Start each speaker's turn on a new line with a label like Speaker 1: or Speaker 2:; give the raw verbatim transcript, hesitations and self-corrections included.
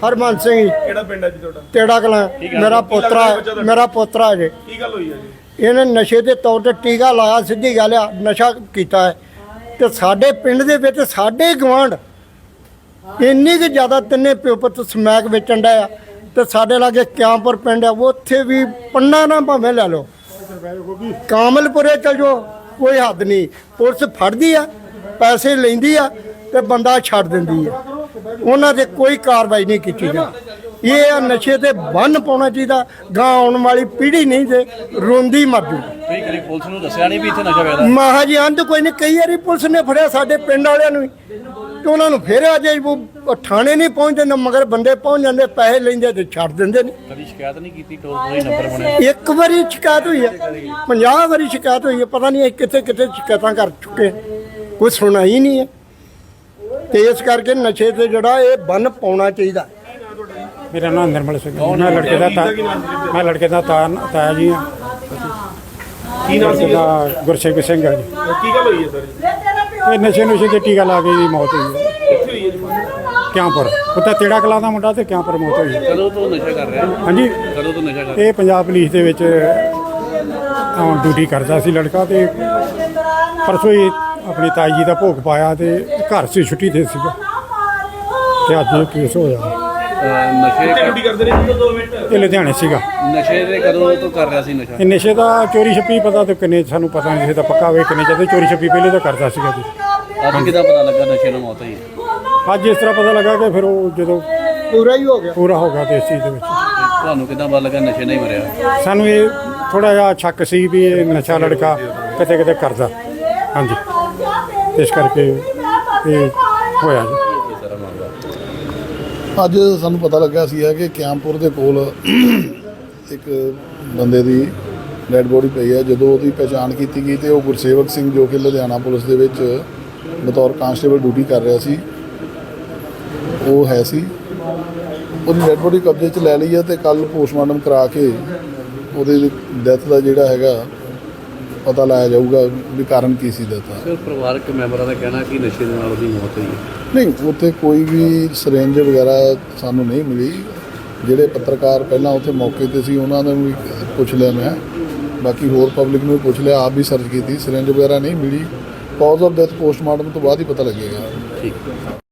Speaker 1: ਹਰਮਨ ਸਿੰਘ ਜੀ।
Speaker 2: ਕਿਹੜਾ ਪਿੰਡ ਹੈ ਜੀ ਤੁਹਾਡਾ?
Speaker 1: ਤੇੜਾ ਕਲਾਂ। ਮੇਰਾ ਪੋਤਰਾ ਮੇਰਾ ਪੋਤਰਾ ਜੇ।
Speaker 2: ਕੀ ਗੱਲ ਹੋਈ ਹੈ ਜੀ?
Speaker 1: ਇਹਨੇ ਨਸ਼ੇ ਦੇ ਤੌਰ ਤੇ ਟੀਕਾ ਲਾਇਆ, ਸਿੱਧੀ ਗੱਲ ਆ, ਨਸ਼ਾ ਕੀਤਾ ਹੈ। ਤੇ ਸਾਡੇ ਪਿੰਡ ਦੇ ਵਿੱਚ ਸਾਡੇ ਗਵਾਂਢ ਇੰਨੀ ਕੁ ਜ਼ਿਆਦਾ ਤਿੰਨੇ ਪਿਓ ਪੁੱਤ ਸਮੈਕ ਵੇਚਣ ਦਾ ਆ। ਤੇ ਸਾਡੇ ਲਾਗੇ ਕਿਆਂਪੁਰ ਪਿੰਡ ਆ, ਉੱਥੇ ਵੀ ਪੰਨਾ ਨਾ ਭਾਵੇਂ ਲੈ ਲਓ, ਕਾਮਲਪੁਰੇ ਚਲ ਜਾਓ, ਕੋਈ ਹੱਦ ਨਹੀਂ। ਪੁਲਿਸ ਫੜਦੀ ਆ, ਪੈਸੇ ਲੈਂਦੀ ਆ ਤੇ ਬੰਦਾ ਛੱਡ ਦਿੰਦੀ ਆ। ਉਹਨਾਂ ਤੇ ਕੋਈ ਕਾਰਵਾਈ ਨਹੀਂ ਕੀਤੀ ਜਾਂਦੀ। ਇਹ ਆ ਨਸ਼ੇ ਤੇ ਬੰਨ ਪਾਉਣਾ ਚਾਹੀਦਾ। ਗਾਂ ਆਉਣ ਵਾਲੀ ਪੀੜ੍ਹੀ ਨਹੀਂ ਤੇ ਰੋਂਦੀ ਮਰ ਜੂ।
Speaker 3: ਤੁਸੀਂ ਕਦੀ ਪੁਲਿਸ ਨੂੰ ਦੱਸਿਆ ਨਹੀਂ ਵੀ ਇੱਥੇ ਨਸ਼ਾ ਵੇਚਦਾ?
Speaker 1: ਮਹਾ ਜੀ ਅੰਤ ਕੋਈ ਨਹੀਂ। ਕਈ ਵਾਰੀ ਪੁਲਿਸ ਨੇ ਫੜਿਆ ਸਾਡੇ ਪਿੰਡ ਵਾਲਿਆਂ ਨੂੰ ਤੇ ਉਹਨਾਂ ਨੂੰ ਫਿਰ ਅਜੇ ਉਹ ਥਾਣੇ ਨਹੀਂ ਪਹੁੰਚਦੇ ਨਾ, ਮਗਰ ਬੰਦੇ ਪਹੁੰਚ ਜਾਂਦੇ, ਪੈਸੇ ਲੈਂਦੇ ਤੇ ਛੱਡ ਦਿੰਦੇ ਨੇ।
Speaker 3: ਕਦੀ ਸ਼ਿਕਾਇਤ ਨਹੀਂ ਕੀਤੀ? ਟੋਲ ਫ੍ਰੀ ਨੰਬਰ ਬਣਿਆ?
Speaker 1: ਇੱਕ ਵਾਰੀ ਸ਼ਿਕਾਇਤ ਹੋਈ ਹੈ, ਪੰਜਾਹ ਵਾਰੀ ਸ਼ਿਕਾਇਤ ਹੋਈ ਹੈ। ਪਤਾ ਨਹੀਂ ਕਿੱਥੇ ਕਿੱਥੇ ਸ਼ਿਕਾਇਤਾਂ ਕਰ ਚੁੱਕੇ, ਕੋਈ ਸੁਣਾ ਹੀ ਨਹੀਂ ਹੈ। ਤੇ ਇਸ ਕਰਕੇ ਨਸ਼ੇ ਤੇ ਜਿਹੜਾ ਇਹ ਬੰਨ ਪਾਉਣਾ ਚਾਹੀਦਾ।
Speaker 4: ਮੇਰਾ ਨਾਮ ਨਿਰਮਲ ਸਿੰਘ ਹੈ। ਮੈਂ ਲੜਕੇ ਦਾ ਤਾ ਮੈਂ ਲੜਕੇ ਦਾ ਤਾ ਤਾਇਆ ਜੀ ਹਾਂ।
Speaker 2: ਕੀ ਨਾਮ ਸੀ?
Speaker 4: ਦਾ ਗੁਰਸੇਵਕ ਸਿੰਘ ਹੈ ਜੀ।
Speaker 2: ਕੀ ਗੱਲ ਹੋਈ ਹੈ ਸਰ ਜੀ?
Speaker 4: ਇਹ ਨਸ਼ੇ ਨੁਸ਼ੇ ਤੇ ਟੀਕਾ ਲਾ ਕੇ ਦੀ ਮੌਤ ਹੋਈ ਹੈ
Speaker 2: ਕਿੱਥੇ ਹੋਈ ਹੈ ਜੀ?
Speaker 4: ਕਿਆਂਪੁਰ। ਉੱਥੇ ਤੇੜਾ ਕਲਾਂ ਦਾ ਮੁੰਡਾ ਤੇ ਕਿਆਂਪੁਰ ਮੌਤ ਹੋਈ ਹੈ।
Speaker 3: ਕਦੋਂ ਤੋਂ ਨਸ਼ਾ ਕਰ ਰਿਹਾ?
Speaker 4: ਹਾਂਜੀ,
Speaker 3: ਕਦੋਂ ਤੋਂ ਨਸ਼ਾ ਕਰ ਰਿਹਾ?
Speaker 4: ਇਹ ਪੰਜਾਬ ਪੁਲਿਸ ਦੇ ਵਿੱਚ ਡਿਊਟੀ ਕਰਦਾ ਸੀ ਲੜਕਾ। ਤੇ ਪਰਸੋਂ ਹੀ ਆਪਣੀ ਤਾਈ ਜੀ ਦਾ ਭੋਗ ਪਾਇਆ ਤੇ ਘਰ ਸੀ, ਛੁੱਟੀ ਤੇ ਸੀਗਾ ਤੇ ਅੱਜ ਇਹ ਕੇਸ ਹੋਇਆ।
Speaker 3: ਅਹ ਨਸ਼ੇ
Speaker 2: ਕਿੱਥੇ ਡਿਊਟੀ ਕਰਦੇ ਨੇ? ਦੋ ਮਿੰਟ।
Speaker 4: ਇਹ ਲੁਧਿਆਣੇ ਸੀਗਾ।
Speaker 3: ਨਸ਼ੇ ਦੇ ਕਦੋਂ ਤੋਂ ਕਰ ਰਿਹਾ ਸੀ ਨਸ਼ਾ?
Speaker 4: ਇਹ ਨਸ਼ੇ ਦਾ ਚੋਰੀ ਛੱਪੀ ਪਤਾ ਤੇ ਕਿੰਨੇ ਸਾਨੂੰ ਪਤਾ ਨਹੀਂ, ਨਸ਼ੇ ਦਾ ਪੱਕਾ ਵੇ ਕਿੰਨੇ ਚਾਹਤੇ ਚੋਰੀ ਛੱਪੀ ਪਹਿਲੇ ਤਾਂ ਕਰਦਾ ਸੀਗਾ ਜੀ।
Speaker 3: ਅੱਜ ਕਿੱਦਾਂ ਪਤਾ ਲੱਗਾ ਨਸ਼ੇ ਨਾਲ ਮੌਤ ਹੋਈ?
Speaker 4: ਅੱਜ ਇਸ ਤਰ੍ਹਾਂ ਪਤਾ ਲੱਗਾ ਕਿ ਫਿਰ ਉਹ ਜਦੋਂ
Speaker 1: ਪੂਰਾ ਹੀ ਹੋ ਗਿਆ।
Speaker 4: ਪੂਰਾ ਹੋ ਗਿਆ ਤੇ ਇਸ ਚੀਜ਼ ਦੇ ਵਿੱਚ
Speaker 3: ਤੁਹਾਨੂੰ ਕਿੱਦਾਂ ਪਤਾ ਲੱਗਾ ਨਸ਼ੇ ਨਾਲ ਹੀ ਮਰਿਆ?
Speaker 4: ਸਾਨੂੰ ਇਹ ਥੋੜਾ ਜਿਹਾ ਸ਼ੱਕ ਸੀ ਵੀ ਇਹ ਨਸ਼ਾ ਲੜਕਾ ਕਿਤੇ ਕਿਤੇ ਕਰਦਾ। ਹਾਂਜੀ, ਇਸ ਕਰਕੇ ਇਹ ਹੋਇਆ ਜੀ।
Speaker 5: ਅੱਜ ਸਾਨੂੰ ਪਤਾ ਲੱਗਾ ਸੀ ਹੈ ਕਿ ਕਿਆਂਪੁਰ ਦੇ ਕੋਲ ਇੱਕ ਬੰਦੇ ਦੀ ਡੈਡ ਬੋਡੀ ਪਈ ਹੈ। ਜਦੋਂ ਉਹਦੀ ਪਛਾਣ ਕੀਤੀ ਗਈ ਤੇ ਉਹ ਗੁਰਸੇਵਕ ਸਿੰਘ ਜੋ ਕਿ ਲੁਧਿਆਣਾ ਪੁਲਿਸ ਦੇ ਵਿੱਚ ਬਤੌਰ ਕਾਂਸਟੇਬਲ ਡਿਊਟੀ ਕਰ ਰਿਹਾ ਸੀ, ਉਹ ਹੈ ਸੀ। ਉਹਦੀ ਡੈਡ ਬੋਡੀ ਕਬਜ਼ੇ 'ਚ ਲੈ ਲਈ ਹੈ ਤੇ ਕੱਲ੍ਹ ਪੋਸਟਮਾਰਟਮ ਕਰਾ ਕੇ ਉਹਦੇ ਡੈਥ ਦਾ ਜਿਹੜਾ ਹੈਗਾ ਪਤਾ ਲਾਇਆ ਜਾਊਗਾ ਵੀ ਕਾਰਨ ਕੀ ਸੀ ਡੈਥ ਦਾ।
Speaker 3: ਸਰ, ਪਰਿਵਾਰਕ ਮੈਂਬਰਾਂ ਦਾ ਕਹਿਣਾ ਕਿ ਨਸ਼ੇ ਦੇ ਨਾਲ ਉਹਦੀ ਮੌਤ ਹੋਈ ਹੈ।
Speaker 5: ਨਹੀਂ, ਉੱਥੇ ਕੋਈ ਵੀ ਸਿਰਿੰਜ ਵਗੈਰਾ ਸਾਨੂੰ ਨਹੀਂ ਮਿਲੀ। ਜਿਹੜੇ ਪੱਤਰਕਾਰ ਪਹਿਲਾਂ ਉੱਥੇ ਮੌਕੇ ਤੇ ਸੀ ਉਹਨਾਂ ਨੂੰ ਵੀ ਪੁੱਛ ਲਿਆ ਮੈਂ, ਬਾਕੀ ਹੋਰ ਪਬਲਿਕ ਨੂੰ ਵੀ ਪੁੱਛ ਲਿਆ, ਆਪ ਵੀ ਸਰਚ ਕੀਤੀ, ਸਿਰਿੰਜ ਵਗੈਰਾ ਨਹੀਂ ਮਿਲੀ। ਕਾਜ਼ ਆਫ ਡੈਥ ਪੋਸਟਮਾਰਟਮ ਤੋਂ ਬਾਅਦ ਹੀ ਪਤਾ ਲੱਗੇਗਾ।
Speaker 3: ਠੀਕ।